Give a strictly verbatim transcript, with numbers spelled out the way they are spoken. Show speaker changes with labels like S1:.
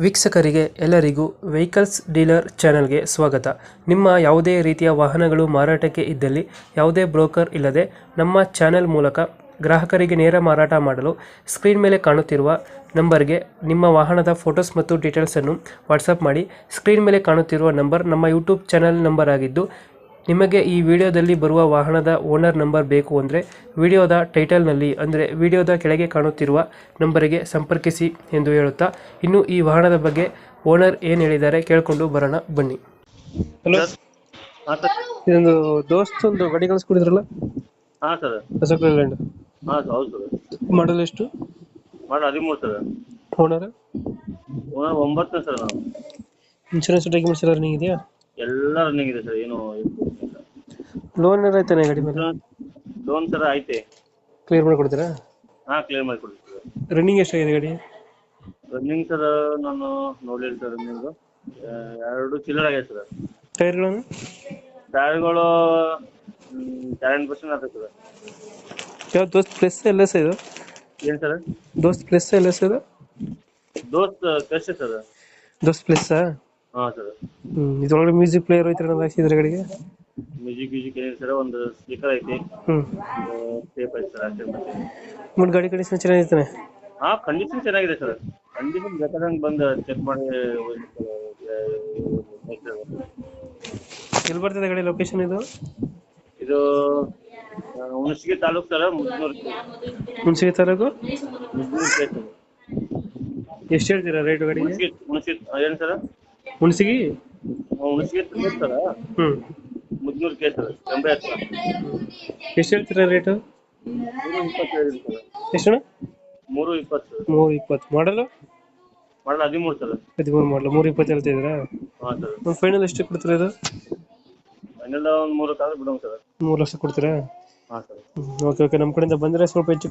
S1: ವೀಕ್ಷಕರಿಗೆ ಎಲ್ಲರಿಗೂ vehicles dealer ಚಾನೆಲ್ಗೆ ಸ್ವಾಗತ. ನಿಮ್ಮ ಯಾವುದೇ ರೀತಿಯ ವಾಹನಗಳು ಮಾರಾಟಕ್ಕೆ ಇದ್ದಲ್ಲಿ ಯಾವುದೇ ಬ್ರೋಕರ್ ಇಲ್ಲದೆ ನಮ್ಮ ಚಾನೆಲ್ ಮೂಲಕ ಗ್ರಾಹಕರಿಗೆ ನೇರ ಮಾರಾಟ ಮಾಡಲು ಸ್ಕ್ರೀನ್ ಮೇಲೆ ಕಾಣುತ್ತಿರುವ ನಂಬರ್ಗೆ ನಿಮ್ಮ ವಾಹನದ ಫೋಟೋಸ್ ಮತ್ತು ಡೀಟೇಲ್ಸನ್ನು ವಾಟ್ಸಪ್ ಮಾಡಿ. ಸ್ಕ್ರೀನ್ ಮೇಲೆ ಕಾಣುತ್ತಿರುವ ನಂಬರ್ ನಮ್ಮ ಯೂಟ್ಯೂಬ್ ಚಾನೆಲ್ ನಂಬರ್ ಆಗಿದ್ದು, ನಿಮಗೆ ಈ ವಿಡಿಯೋದಲ್ಲಿ ಬರುವ ವಾಹನದ ಓನರ್ ನಂಬರ್ ಬೇಕು ಅಂದರೆ ವಿಡಿಯೋದ ಟೈಟಲ್ನಲ್ಲಿ ಅಂದರೆ ವಿಡಿಯೋದ ಕೆಳಗೆ ಕಾಣುತ್ತಿರುವ ನಂಬರಿಗೆ ಸಂಪರ್ಕಿಸಿ ಎಂದು ಹೇಳುತ್ತಾ, ಇನ್ನು ಈ ವಾಹನದ ಬಗ್ಗೆ ಓನರ್ ಏನು ಹೇಳಿದ್ದಾರೆ ಕೇಳಿಕೊಂಡು ಬರೋಣ ಬನ್ನಿ. ಹಲೋ,
S2: ಹಾಂ ಸರ್.
S1: ಇದೊಂದು ದೋಸ್ತ್ ಒಂದು ಗಾಡಿ ಕಳಿಸ್ಕೊಡಿದ್ರಲ್ಲ,
S2: ಹಾಂ ಸರ್.
S1: ಅಶೋಕ್ ಲೇಲ್ಯಾಂಡ್
S2: ಹಾಂ ಹೌದು ಸರ್.
S1: ಮಾಡಲ್ ಎಷ್ಟು?
S2: ಮಾಡಿ ಹದಿಮೂರು ಸರ್.
S1: ಓನರ್
S2: ಓನರ್ ಒಂಬತ್ತನೇ ಸರ್. ನಾವು
S1: ಇನ್ಶೂರೆನ್ಸ್ ಡಾಕ್ಯುಮೆಂಟ್ಸ್ ಎಲ್ಲ ರನ್ನಿಂಗ್ ಇದೆಯಾ?
S2: ಎಲ್ಲ ರನ್ನಿಂಗ್ ಇದೆ ಸರ್. ಏನು
S1: ಲೋನ್ ಏನಾರು ಆಯ್ತಾನೆ ಗಾಡಿ ಮೇಲೆ?
S2: ಲೋನ್ ಸರ್ ಐತೆ.
S1: ಕ್ಲಿಯರ್ ಮಾಡಿ ಕೊಡ್ತೀರಾ?
S2: ಹಾಂ ಕ್ಲಿಯರ್ ಮಾಡಿ ಕೊಡ್ತೀವಿ ಸರ್.
S1: ರನ್ನಿಂಗ್ ಎಷ್ಟಾಗಿದೆ ಗಾಡಿ?
S2: ರನ್ನಿಂಗ್ ಸರ್ ನಾನು ನೋಡಲಿಲ್ಲ ಸರ್. ರನ್ನಿಂಗು ಎರಡು ಚಿಲ್ಲರ್ ಆಗಿದೆ ಸರ್.
S1: ಟೈರ್ಗಳನ್ನು
S2: ಟೈರ್ಗಳು ಸೆವೆನ್ ಪರ್ಸೆಂಟ್ ಆಗ್ತದೆ ಸರ್.
S1: ಯಾವ ದೋಸ್ತ್ ಪ್ಲಸ್ ಎಲ್ ಎಸ್ ಇದು?
S2: ಏನು ಸರ್?
S1: ದೋಸ್ತ್ ಪ್ಲಸ್ ಎಲ್ ಎಸ್ ಇದು?
S2: ದೋಸ್ತ್ ಕಷ್ಟ ಸರ್.
S1: ದೋಸ್ತ್ ಪ್ಲಸ್ಸಾ?
S2: ಹಾಂ ಸರ್.
S1: ಹ್ಞೂ ಇದ್ರೊಳಗಡೆ ಮ್ಯೂಸಿಕ್ ಪ್ಲೇಯರ್ ಐತೆ ಅನ್ನೋದು ಹಾಕ್ಸಿದ್ರೆ ಗಾಡಿಗೆ?
S2: ಮ್ಯೂಸಿಕ್ ಮ್ಯೂಸಿಕ್ ಏನಿದೆ ಸರ್. ಒಂದು ಸ್ಪೀಕರ್ ಐತಿ,
S1: ಹ್ಞೂ
S2: ಟೇಪ್ ಐತೆ ಸರ್. ಅಷ್ಟೇ ಮತ್ತೆ.
S1: ಮತ್ತು ಗಾಡಿ ಕಂಡೀಷನ್ ಚೆನ್ನಾಗಿರ್ತಾನೆ?
S2: ಹಾಂ ಕಂಡೀಷನ್ ಚೆನ್ನಾಗಿದೆ ಸರ್. ಕಂಡೀಷನ್ ಬೇಕಾದಂಗೆ ಬಂದು ಚೆಕ್ ಮಾಡಿ ಹೋಗಿ ಸರ್.
S1: ಎಲ್ಲಿ ಬರ್ತದೆ ಗಾಡಿ ಲೊಕೇಶನ್ ಇದು?
S2: ಇದು Hunasagi taluk sir. Mudnur
S1: Hunasagi taluk
S2: Mudnur case sir.
S1: ಎಷ್ಟು ಹೇಳ್ತೀರಾ ರೇಟ್ ಗಾಡಿಗೆ?
S2: ಹುಣಸಗಿ ಹುಣಸಗಿ ಏನು ಸರ್?
S1: ಹುಣಸಗಿ
S2: ಹುಣಸಗಿ ಸರ್.
S1: ಹ್ಞೂ
S2: ಮುದ್ನೂರು ಕೇಸ್ ಸರ್. ಎಂಬತ್ತು ಸರ್.
S1: ಎಷ್ಟು ಹೇಳ್ತೀರಾ ರೇಟು?
S2: ಮೂರು ಇಪ್ಪತ್ತು ಹೇಳಿದೆ ಸರ್.
S1: ಎಷ್ಟಣ್ಣ?
S2: ಮೂರು ಇಪ್ಪತ್ತು ಸರ್.
S1: ಮೂರು ಇಪ್ಪತ್ತು ಮಾಡಲು?
S2: ಮಾಡಲ್ಲ ಹದಿಮೂರು ಸರ್.
S1: ಹದಿಮೂರು ಮಾಡಲು ಮೂರು ಇಪ್ಪತ್ತು ಹೇಳ್ತಿದ್ದೀರಾ?
S2: ಹಾಂ ಸರ್.
S1: ಒಂದು ಫೈನಲ್ ಎಷ್ಟು ಕೊಡ್ತೀರಾ ಇದು?
S2: ಫೈನಲ್ ಒಂದು ಮೂರು ಕಾಲ ಬಿಡೋಣ ಸರ್.
S1: ಮೂರು ಲಕ್ಷ ಕೊಡ್ತೀರಾ?
S2: ಹಾಂ ಸರ್.
S1: ಓಕೆ ಓಕೆ ನಮ್ಮ ಕಡೆಯಿಂದ ಬಂದರೆ ಸ್ವಲ್ಪ ಹೆಚ್ಚು